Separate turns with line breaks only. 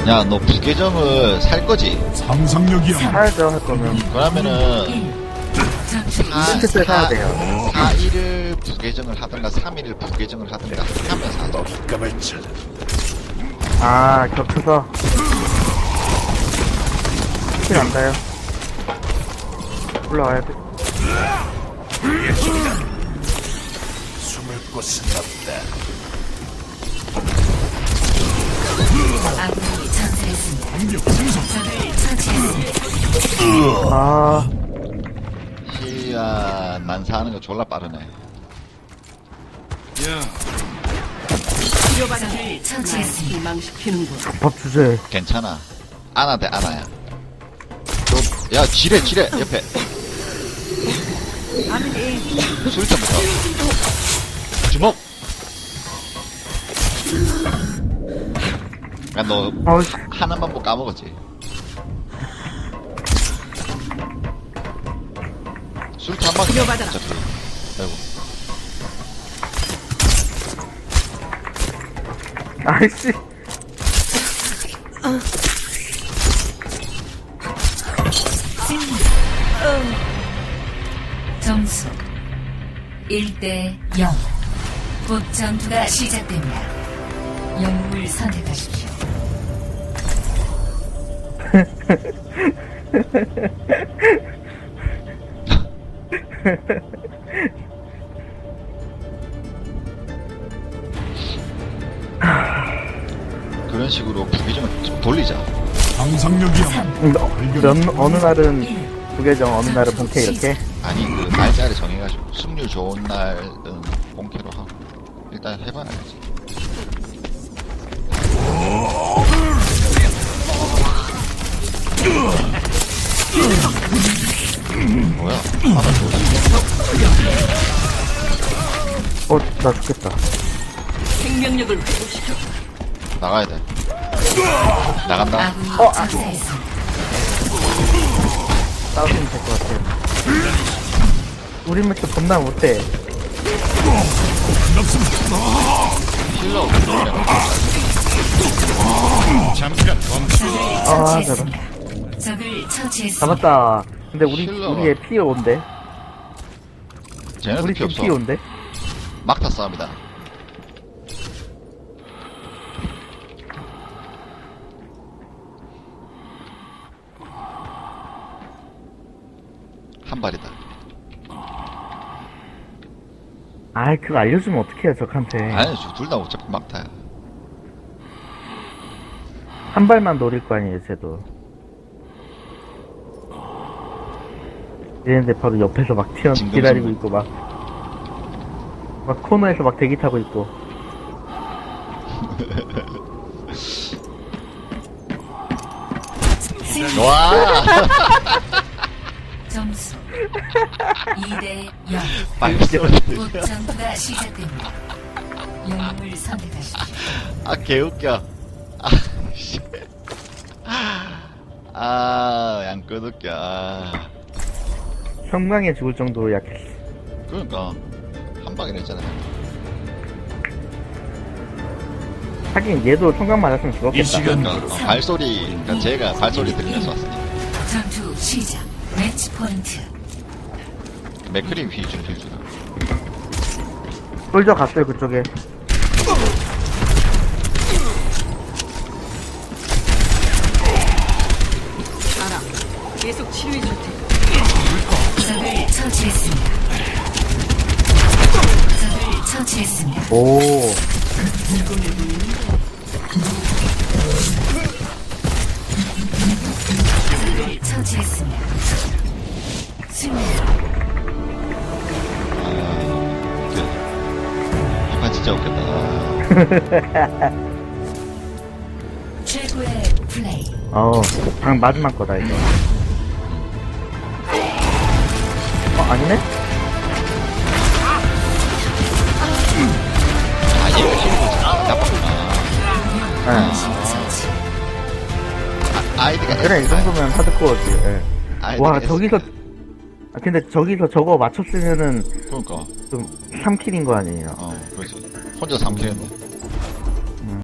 야, 너 부계정을 살 거지?
상상력이야.
사야죠, 할 거면.
그러면은,
스트레스 사야 돼요.
4일을 부계정을 하든가, 3일을 부계정을 하든가, 하면서 하죠.
감을 찾아.
아, 겹쳐서. 스킬 안 다요. 올라와야 돼.
숨을 곳은 없다.
아군이 전사했습니다.
공격 생성.
적을 처치했습니다.
아,
시야, 난사하는 거 졸라 빠르네.
적을 처치했습니다.
희망시키는군.
밥 주제.
괜찮아. 아나 대 아나야. 야, 지뢰, 옆에. 술탄부터. 주먹! 야, 너,
아우씨.
하나만 뭐 까먹었지? 술탄 한 방.
이어받아라.
어차피. 아이고.
아이씨.
점수 1대 0. 곧 전투가 시작됩니다. 영웅을 선택하십시오.
그런 식으로 부기점을 좀 돌리자.
상상력이야.
어느 날은 부계정, 어느 날은 본캐 이렇게.
아니, 그 날짜를 정해가지고 승률 좋은 날은 본캐로 하고 일단 해봐야지. 뭐야? 하나
나 죽겠다.
생명력을 회복시켜.
나가야 돼. 나간다.
아군이 전사했습니다.
싸우면 될 것 같아. 우리 매트 겁나 못해.
힐러 없네.
잠깐 멈춰.
아,
처치했습니다. 적을 처치했습니다.
잡았다. 근데
힐러가.
우리의 피해 온대.
쟤네도
우리
피
팀
없어.
피해 온대.
막타 싸움이다. 한 발이다.
아이, 그거 알려주면 어떡해요, 적한테.
아니, 둘 다 어차피 막타야.
한 발만 노릴 거 아니에요, 쟤도. 이랬는데 바로 옆에서 막 기다리고 있고, 막 코너에서 막 대기 타고 있고.
와!
점수 2대 0.
발소리.
곧 전투가 시작됩니다. 영웅을 선택하십시오.
아, 개웃겨. 아, 씨. 아, 양껏웃겨. 아.
형광에 죽을 정도로 약했어.
그러니까, 한 방에 냈잖아요.
하긴 얘도 총각 맞았으면
이
죽었겠다.
시간
그러니까, 발소리, 그러니까 제가 발소리 들으면서 왔으니까.
전투 시작. 매치 포인트.
맥크림 휘준 휘준.
솔져 갔어요, 그쪽에.
알아. 계속 치료해 줄 테니.
적을 처치했습니다. 적을 처치했습니다.
오.
적을 처치했습니다. 승리.
이판 진짜 웃겼다.
최고의 플레이.
방 마지막 거다, 이거. 아니네?
아, 얘가 힘이 나빴구나.
예.
처치.
아이디가
그래, 이 정도면 하드코어지, 예.
아이디가
와, 저기서, 근데 저기서 저거 맞췄으면은
그러니까,
좀 3킬인 거 아니에요?
그렇지. 혼자 3킬 했네.